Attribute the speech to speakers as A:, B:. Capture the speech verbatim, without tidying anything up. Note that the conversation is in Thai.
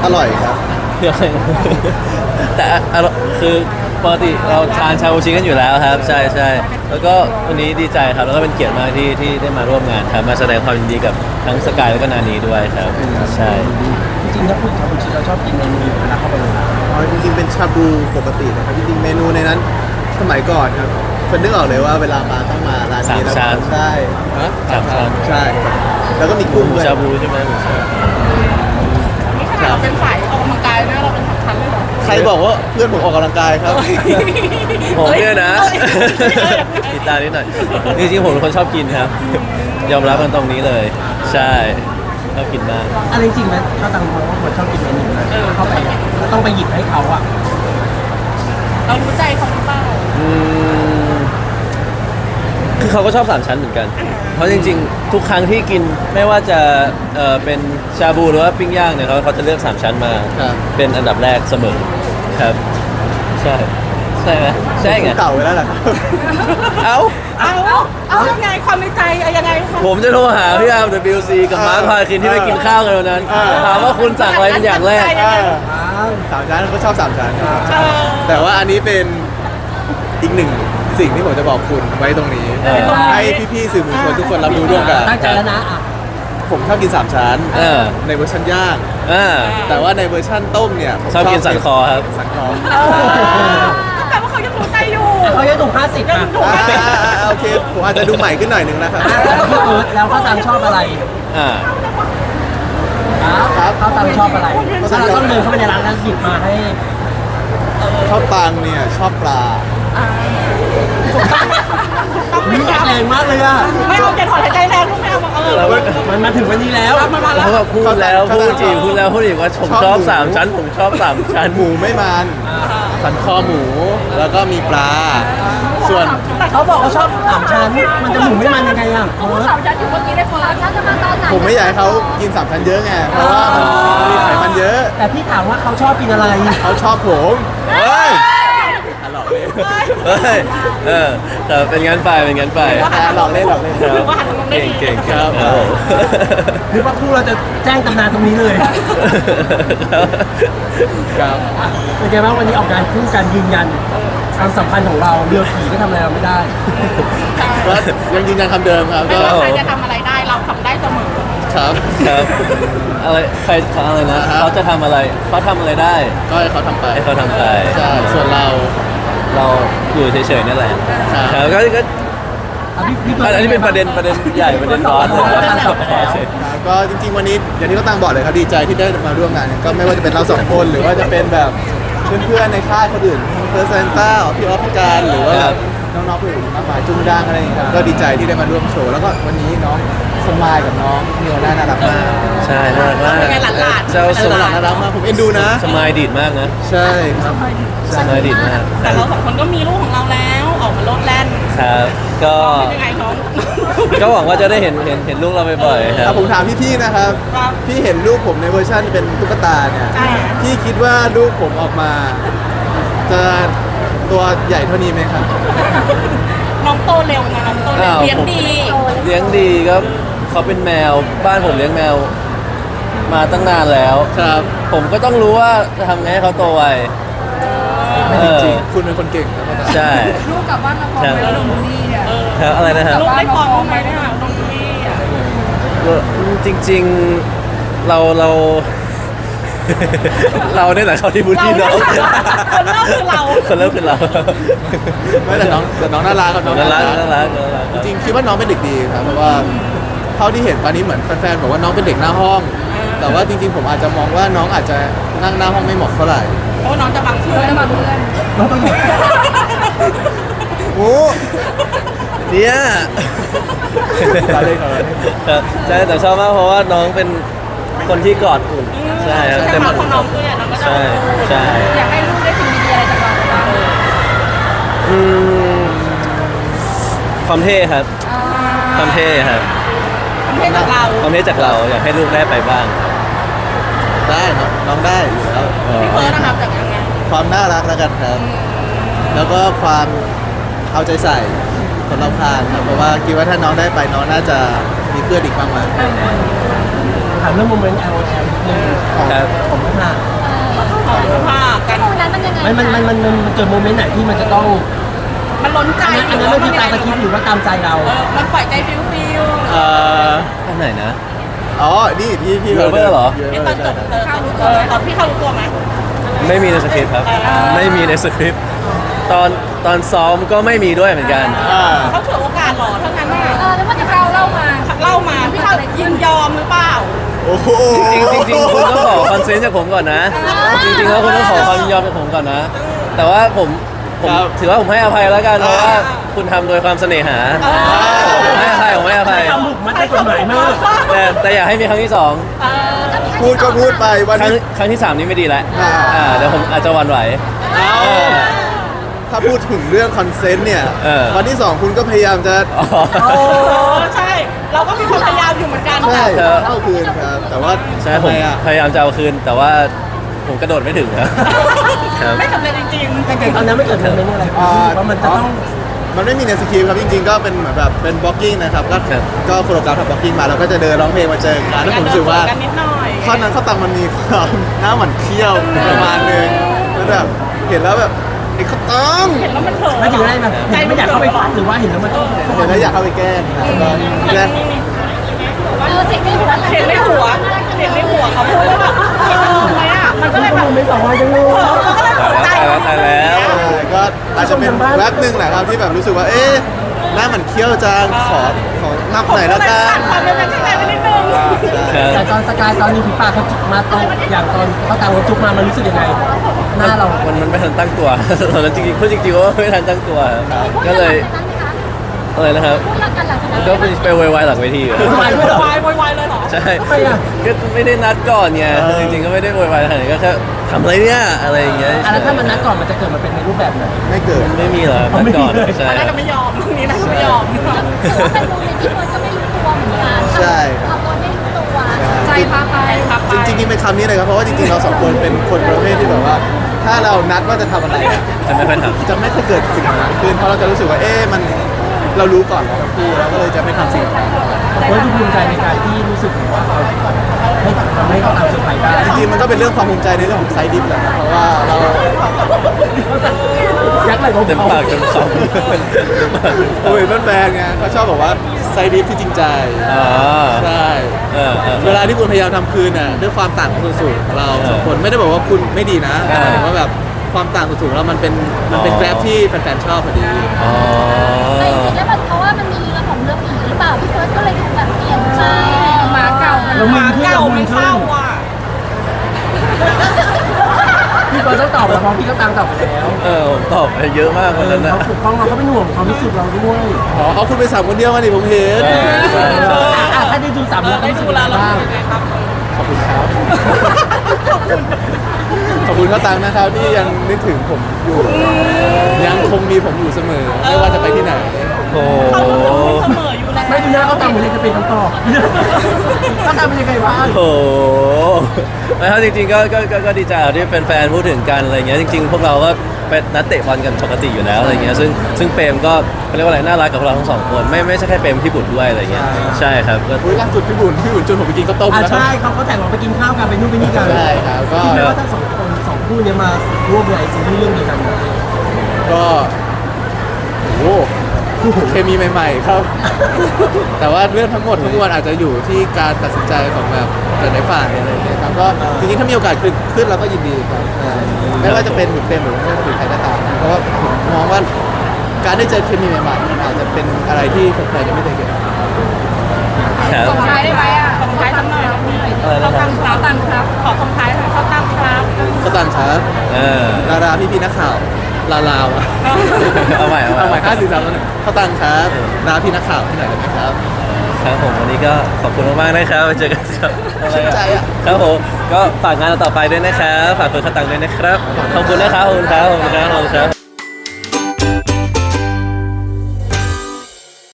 A: อร่อยครับ
B: แต่อร่อยคือปกติเราทานชาบูชิกันอยู่แล้วครับใช่ใช่แล้วก็วันนี้ดีใจครับแล้วก็เป็นเกียรติมากที่ที่ได้มาร่วมงานครับมาแสดงความยินดีกับทั้งสกายแล้วก็นานีด้วยครับใช่
C: จริงๆถ้าพูดชาบูชิเราชอบกินเมนูเวลาเข้าไปโรงแรม
A: อ๋อจริงๆเป็นชาบูปกตินะครับจริงๆเมนูในนั้นสมัยก่อนครับคนนึกออกเลยว่าเวลามาต้องมาร้านนี้แล้ว
B: สามชั้น
A: ใช่ฮะ
B: สามชั้น
A: ใช่ครับแล้วก็มีกุ้งด้วย
B: ชาบูใช่ไหม
D: นี่ขนาดเราเป็นสายออกกำลังกายนะเราเป็นสำคัญเลยเหรอ
A: ใครบอกว่าเพื่อนผมออกกำลังกายครับ
B: ผมเนี่ยนะติดตามนิดหน่อยจริงๆผมเป็นคนชอบกินครับ ยอมรับมันตรงนี้เลย ใช่ชอบกินมาก
C: อะไรจริงไหมถ้าตังมองว่าคนชอบกินเมนูนะเข้าไปอ่ะก็ต้องไปหยิบให้เขาอ่ะ
D: เรารู้ใจเขาหรือเปล่า
B: อืมคือเขาก็ชอบสามชั้นเหมือนกัน เพราะจริงๆ ทุกครั้งที่กินไม่ว่าจะเอ่อเป็นชาบูหรือว่าปิ้งย่างเนี่ยเขาเขาจะเลือกสามชั้นมา
A: ครับ
B: เป็นอันดับแรกเสมอครับ ใช่ใช่ไหมใช่ไง
A: เก่าไปแล้วแหละครับ
B: เอ้า
D: เอาเอายังไงความในใจเอายังไงคะ
B: ผมจะโทรหาพี่อาร์ม ดับเบิลยู ซี กับมาร์คพาคินที่ไปกินข้าวกันวันนั้น
A: อ่า
B: ถามว่าคุณสั่งอะไรเป็นอย่างแรก
A: อ่าสามชั้นก็ชอบสามชั้นครับแต่ว่าอันนี้เป็นอีกหนึ่งสิ่งที่ผมจะบอกคุณไว้ตรงนี้
B: เออ
A: ให้พี่ๆสื่อมวลชนทุกคนรับรู้ร่วมกัน
C: ตั้งใจแล้วนะอ่ะ
A: ผมชอบกินสามชั้น
B: เออ
A: ในเวอร์ชันย่าง
B: อ่า
A: แต่ว่าในเวอร์ชันต้มเนี่ยผม
B: ชอบกินสันคอครับ
A: สันคอ
D: ก็แปลว่าเขายังรู้ใจอยู่
C: เขาจะถูกห้าสิบอ่ะ
A: อ่าอ่าอ่าโอเคผมอาจจะดูใหม่ขึ้นหน่อยหนึ่งนะครับ
C: แล้วพี่เอิร์ธแล้วเขาตังชอบอะไร
B: อ่า
A: ครับ
C: เขาตังชอบอะไรถ้าเราต้องเดินเข้าไปในร้านแล้วหยิบมาให้
A: ชอบตังเนี่ยชอบปลา
C: มีแรงมากเลยอ่ะ
D: ไม่เอาจะถอนหายใจแรงลูกแมวบอกเออ
B: เรา
C: มันมาถึงวันนี้แล้ว
D: มามาแล้
B: เขา
D: ว
B: ก็พูดแล้วพูดจริงพูดแล้วพูดอีกว่าผมชอบสามชั้น ผมชอบสามชั้น
A: หมูไม่มันสันคอหมูแล้วก็มีปลา ส่วน
C: เขาบอกเขาชอบสามชั้น มันจะหมุนไม่มันยังไงอ่ะเออ
D: สาวยัดอยู่เมื่อกี้ได้ฟังฉันจะมาตอนไหน
A: ผมไม่อยากให้เขากินสามชั้นเยอะไงเพราะว่ามันมีไขมันเยอะ
C: แต่พี่ถามว่าเขาชอบกินอะไร
A: เขาชอบผมเฮ้ยอ่ะหลอกเล่น
B: เฮ้ย เออแต่เป็นงั้นไป เป็นงั้นไป
A: อ่ะหลอกเล่นหลอกเล่น
B: ครับ
D: ว่าหันมามองได้
B: เก่ง
D: ดี
B: เก่ง
A: ครับ
B: ครับผม
C: หรือว่าคู่เราจะแจ้งตำนานตรงนี้เลย
A: ครับ
C: เป็นไงบ้างวันนี้ออกงานคู่กันยืนยันความสัมพันธ์ของเราเรือผีก็ทำอะไรเราไม่ได้
A: ก็ยังยืนยันคำเดิมครับ
D: ไม่
A: ก็
D: ว่าใครจะทำอะไรได้เราทำได้เสมอ
A: ครับ
B: ครับ อะไร ใครอะไรนะ
A: อ่าฮะ
B: เขาจะทำอะไร เขาทำอะไรได้
A: ก็ให้เขาทำไป
B: ให้เขาทำไป
A: ใช่ส่วนเรา
B: เราอยู่เฉยๆนี่แหละ
A: ใช่
B: ครับก็ก็
C: อ่ะพี่พี่
B: อันนี้เป็นประเด็นประเด็นใหญ่ประเด็นร้อนเลย
A: ครับก็จริงๆวันนี้อย่างที่เขาตั้งบอกเลยครับดีใจที่ได้มาร่วมงาน ก็ไม่ว่าจะเป็นเราสองคนหรือว่าจะเป็นแบบเพื่อนๆในค่ายคนอื่นทั้งเพิร์ซนต้าพี่ออฟพี่การหรือว่าแบบน้องๆคนอื่นมากมายจุงดังอะไรอย่างเงี้ยครับก็ดีใจที่ได้มาร่วมโชว์แล้วก็วันนี้น้องสมายกับน้องเนียวน่ารักมาก
B: ใช่น่ารักมาก
D: เป็นไงหลานๆ
B: เจ้าส
A: น่ารั
B: มาก ย
A: น่ารักมากผมเอ็นดูนะ
B: สมายดีดมากนะ
A: ใช่ครับ
B: สมายดีดมาก
D: แต่เราสองคนก็มีลูกของเราแล้วออกมาโลดแล่น
B: ครับ ก็
D: เป็นยังไงน้อง
B: ก็หวังว่าจะได้เห็นเห็นเห็นลูกเราบ่อยๆครั
A: อ่ะ
B: บ
A: ผมถามพี่ๆนะครับ
D: ครับ
A: พี่เห็นรูปผมในเวอร์ชันเป็นตุ๊กตาเนี่ย
D: อ่า
A: พี่คิดว่ารูปผมออกมา จะตัวใหญ่เท่านี้ไหมครับ
D: น้องโตเร็วไงน้องโตเร็ว
B: อ้าว
D: เลี้ยงดี
B: เลี้ยงดีก็เขาเป็นแมวบ้านผมเลี้ยงแมวมาตั้งนานแล้ว
A: ครับ
B: ผมก็ต้องรู้ว่าจะทำไงให้เขาโตไว
A: ไม่
B: เอ
A: จ
B: อ
A: ริงๆคุณเป็นคนเก่งครับ
B: ใช่
E: ลูกกลับบ้านมาพร้อมแล้วลงนี่เนี่ย
B: ครับอะไรนะครับ
D: ลูกได้ฟองไหมเนี่ยน้องดีอ่ะ
B: จริงๆเราเรา เราเนี่ยแหละเขาที่บูลลี่น้อง
D: คนเล่าคือเรา
B: คนเริ่มคือเรา
A: ไม่แต่น้องแต่น้องน่ารักครับน้อง
B: น่า
A: น่า
B: รั
A: รั
B: ก
A: ก
B: น่ารักน่ารัก
A: จริงๆคิดว่าน้องเป็นเด็กดีครับเพราะว่าเท่าที่เห็นตอนนี้เหมือนแฟนๆบอกว่าน้องเป็นเด็กหน้าห้อง แต่ว่าจริงๆผมอาจจะมองว่าน้องอาจจะนั่งหน้าห้องไม่เหมาะเท่าไหร่
D: เพราะว่าน้องจะบังเพื่อน
E: แล้วมาเพื่อน
C: เราต้องหยิบ
A: โอ้
B: เนี่ย
A: เราเล่นเราเล่น
B: ครับใช่แต่ชอบมากเพราะว่าน้องเป็นคนที่กอดอุ่นใช่ครับ
D: แต่
B: แต่
D: มา
B: มัน
D: ของน้องด้วยอ่ะน้องก็จะ
B: ใช่ใช่
E: อยากให้ลูกได้สิ่งดีๆอะไรจากเราบ้าง
B: อืมความเท่ครับความเท่ครับ
D: ทำให้จากเรา
B: ความเท่จากเราอยากให้ลูกได้ไปบ้าง
A: ได้น้องน้องได้อยู่แล้ว
D: พี่เฟิร์สนะครับจากยังไง
A: ความน่ารักแล้วกันครับ แล้วก็ความเอาใจใส่คนรอบข้างครับเพราะว่าคิดว่าถ้าน้องได้ไปน้องน่าจะมีเพื่อนอีกมากมาย
C: ถามเรื่องโมเมนต์ แอล แอล นิดนึงของ
B: ครับ
C: ของพัฒนามันมันมันมันมันเกิดโมเมนต์ไหนที่มันจะต้อง
D: มันล้นใจ
C: อันนั้นอันนั้นมันคือตามตะคิดหรือว่าตามใจเรา
D: เออมันปล่อยใจฟิวฟิว
A: เอ่อ
B: อันไหนนะ
A: อ๋อนี่ที่ที่
B: Lover เหรอ
D: ไอ้ตอนจบเออเออตอนพี่เขารู้ตัวไหม
B: ไม่มีในสคริปต์ครับ ไม่มีในสคริปต์ตอนตอนซ้อมก็ไม่มีด้วยเหมือนกัน
A: อ่า
D: เขาถือโอกาสหรอถ้างั้นน่ะ
E: เออแล้วมันจะเราเล่ามา
D: เล่ามาพี่เขายินยอมหรือเปล่า
A: โอ้โห
B: จริงๆจริงๆคุณต้องขอคอนเซนต์จากผมก่อนนะ จริงๆแล้วคุณต้องขอความยินยอมจากผมก่อนนะ แต่ว่าผมผมถือว่าผมให้อภัยแล้วกันเพราะว่าคุณทำโดยความเสน่หาผมให้อภัยผมให้อภัย
C: ทำหมุกมัดในกฎหมายมาก
B: แต่แต่อยากให้มีครั้งที่สอง
D: เออ
A: พูดก็พูดไปวัน
B: ครั้ง
A: นี้
B: ครั้งที่สามนี้ไม่ดีแล้ว
A: อ่า
B: อ่าเดี๋ยวผมอาจจะหวันไหว
A: เอาถ้าพูดถึงเรื่องคอนเซนต์เนี่ย
B: เออ
A: วันที่สองคุณก็พยายามจะ
B: อ๋อ
D: โอ้ใช่ เราก็มีความพยายามอยู่เหมือนกัน
A: ใช่
B: ครับ
A: เข้าคืนครับ แต่ว่า
B: ใช่
A: ทำ
B: ผม
A: ไมอ่ะ
B: พยายามจะเอาคืน แต่ว่าผมกระโดดไม่ถึงครับ ครับ
D: ไม่สำเร็จจริงๆ
C: แต่ตอนนั้นไม่เกิดโมเมนต์อะไรว่ามันจะต้อง
A: มันไม่มีในสคริปต์ครับจริงๆก็เป็นเหมือนแบบเป็นบล็อกกิ้งนะครับก็
B: ครับ
A: ก็โคโรกราฟทำบล็อกกิ้งมาแล้วก็จะเดินร้องเพลงมาเจอกันแล้วผมรู้สึกว่า
D: กันนิดหน่อย
A: ท่อนนั้นเขาตังมันมีความหน้าหมันเคี้ยวประมาณนึงแล้วแบบเห็นแล้วแบบไอ้เขาตัง
D: เห็นแล้วมันเผลอ
C: ไม่ถึงได้มันไม่อยากเข้าไปฟัดหรือว่าเห็นแล้วมันต้อง
A: เห็นแล้วอยากเข้าไปแกล้งครับก็แกล้ง
E: เออสิ่งที่หัว
D: เห็นในหัวเห็นในหัวเขาพูดว่าแบบเห็นมันทำไมอ่ะมันก็เลยแบบ
C: ไม่สองวันจังเลย
D: เผลอมันก็เลยตกใจ
B: ตายแล้วตายแล้ว
A: ใช่ก็อาจจะเป็นแวบหนึ่งแหละครับที่แบบรู้สึกว่าเอ๊ะหน้าหมันเคี้ยวจังขอขอนับหน่อยแล้วกัน
D: ความเป็นแฟนไปนิดนึง
C: แต่ตอนสกายตอนนี้ผีปากเขาจุกมาตรงอย่างตอนเขาตามเขาจุกมามันรู้สึกยังไงหน้าเรา
B: มันมันไม่ทันตั้งตัว ตอนนั้นจริงๆพูดจริงๆว่าไม่ทันตั้งตัวครับก็เลยอะไรนะครับ
E: พูดรักกันหลังจากนั้น
B: ก็ไปไปโวยวายหลังเวทีอะ
C: โวยวายด้วยเหรอ
D: วายวายวายเลยเหรอ
B: ใช่
C: ทำไมอ่ะ
B: ก็ไม่ได้นัดก่อนไงจริงๆก็ไม่ได้โวยวายขนาดนั้นก็แค่ทำอะไรเนี่ยอะไรอย่างเงี้ย
C: อ่ะแล้วถ้ามันนัดก่อนมันจะเกิดมาเป็นในรูปแบบไหน
A: ไม่เกิด
B: ไม่มีเหรอนัดก่อนใช่
D: อันนั้นก็ไม่ยอมนี่นะไม่ยอม
E: ถือว่าเป็นโมเมนต์ที่เฟิร์สก็ไม่รู้ตัวเหมือนกัน
A: ใช่
E: เราก็ไม่รู้ตัวใจพาไป
D: ครับ
A: จริงๆเป็นคำนี้เลยครับเพราะว่าจริงๆเราสองคนเป็นคนประเภทที่แบบว่า ถ้าเรานัดว่าจะทำอะไรอะ
B: จะไม่ค่อยท
A: จะไม่เคยเกิดสิ่งนั้นขึ้นเพราะเราจะรู้สึกว่าเอ๊ะมันเรารู้ก่อนเราทั้งคู่แล้วก็เลยจะไม่ทำสิ่งนั้น
C: เฟิร์สดูภูมิใจในการที่รู้สึกว่าเราให้ทำให้เขาตามเซอร์ไพรส์ได้
A: จริงๆมันก็เป็นเรื่องความภูมิใจในเรื่องของไซดิฟแหละนะเพราะว่าเรา
C: ยักษ์ไหล
B: ำเต็ม
C: เบา
B: ปากเต็มคำ
A: โอ้ยแฟนๆไงเขาชอบบอกว่าไซดิฟที่จริงใจ
B: อ๋อ
A: ใช่
B: เออเออ
A: เวลาที่คุณพยายามทำคืนน่ะด้วยความต่างของสูตรของเราสองคนไม่ได้บอกว่าคุณไม่ดีนะแต่หมายถึงว่าแบบความต่างของสูตรของเรามันเป็นมันเป็นแกร็บที่แฟนๆชอบพอดี
B: อ๋อ
E: แต่จริงๆแล้วแบบเพราะว่ามันมีเรื่องของเรื่องผีหรือเปล่าพี่เฟิร์สก็เลยดูแบบเปลี่ยนใจหมาเก่ามัน
C: แล้ว
D: ห
C: มึง
D: มา
C: ขึ้น
D: เก่า
C: แล้วมึ
D: ไม่
C: งขึ้น
D: เข้าอ่ะ
C: พี่เฟิร์สต้องตอบแล้วเพราะพี่ก็ตามตอบไปแล้ว
B: เออผมตอบไปเยอะมากคนนั้นนะ
C: เขาปกป้องเราเขาเป็นห่วงความรู้สึกเราด้วย
A: อ๋อเอาคุณไปสามคนเดียวมาดิผมเห็น
B: ใช่ใช่
C: อ่ะถ้าได้ดูสาม
D: เอ
C: แล้
D: อ
C: ว
D: ได้
C: รู้สึ
D: ดู
C: ก
D: แล
C: ยังไง
D: เรา
C: บ้าง
D: เป็นไงครับ
A: ขอบคุณครับขอบคุณข้าวตังนะครับที่ยังนึกถึงผมอยู่ ยังคงมีผมอยู่เสมอ ไม่ว่าจะไปที่ไหน
B: โอ้
D: เขา
B: โห
D: เสมออยู่แล้ว
C: ไม่ดูหน้าเขาตามเหมือนจะเป็นคำตอบเขาตามเป็นยังไงบ้าง
B: โอ้โหนะครับจริงๆก็ก็ก็ก็ดีใจที่แฟนๆพูดถึงกันอะไรเงี้ยจริง ๆ พวกเราก็เป็นนัดเตะบอลกันปกติอยู่แล้วอะไรเงี้ยซึ่งซึ่งเปรมก็เขาเรียกว่าอะไรน่ารักกับพวกเราทั้งสองคนไม่ไม่ใช่แค่เปรมพี่บุตรด้วยอะไรเงี้ยใช่ครับก็
A: อุ้ยล่าสุดพี่บุญพี่บุญชวนผมไปกินข้าวต้ม
C: อ่ะ
A: แล้ว
C: ใช่เขาเขาแต่งเราไปกินข้าวกันไปนู่นไปนี่กัน
A: ใช่ครับก็
C: คิดไหมว่าทั้งสองคนสองคู่เนี้ยมาร่วมในซีรีส์เรื่องเดียวกัน
A: ก็โอ้โหเคมีใหม่ๆครับ แต่ว่าเรื่องทั้งหมดทั้งมวลอาจจะอยู่ที่การตัดสินใจของแบบแต่ในฝ่ายอะไรอย่างเงี้ยครับก็จริงๆถ้ามีโอกาสขึ้นขึ้นเราก็ยินดีครับเออไม่ว่าจะเป็นหรือเป็นหรือไม่ว่าจะเป็นใครก็ตามเพราะว่าผมมองว่าการได้เจอเคมีใหม่ๆมันอาจจะเป็นอะไรที่แฟนๆยังไม่เคยเห็น
B: ครับ
E: ส่งท้ายได้ไหมอ่ะ
D: ส่งท้ายสักหน่อย
B: อะไร
D: เขา
B: นะค
D: ตั้
B: รับ
D: งครับตั้งครับ ขอส่งท้ายหน่อยเขาตั้งครับ
A: ก็ตังครับ
B: เออ
A: ดาราพี่ๆนักข่าวลาลาวอะ
B: เอาใหม่เอาใหม่
A: เอาใหม่ห้าสี่สามแล้วเนี่ยเขาตังครับดาราพี่นักข่าวที่ไหนได้ไหมครับ
B: ครับผมวันนี้ก็ขอบคุณมากๆนะครับไว้เจอกันครับอะไร
A: ชื่นใจ
B: อะ
A: อะ
B: ครับผมก็ฝากงานเราต่อไปด้วยนะครับฝากเพื่อนข้าวตังด้วยนะครับขอบคุณนะครับขอบคุณครับขอบคุณครับขอบคุณครับ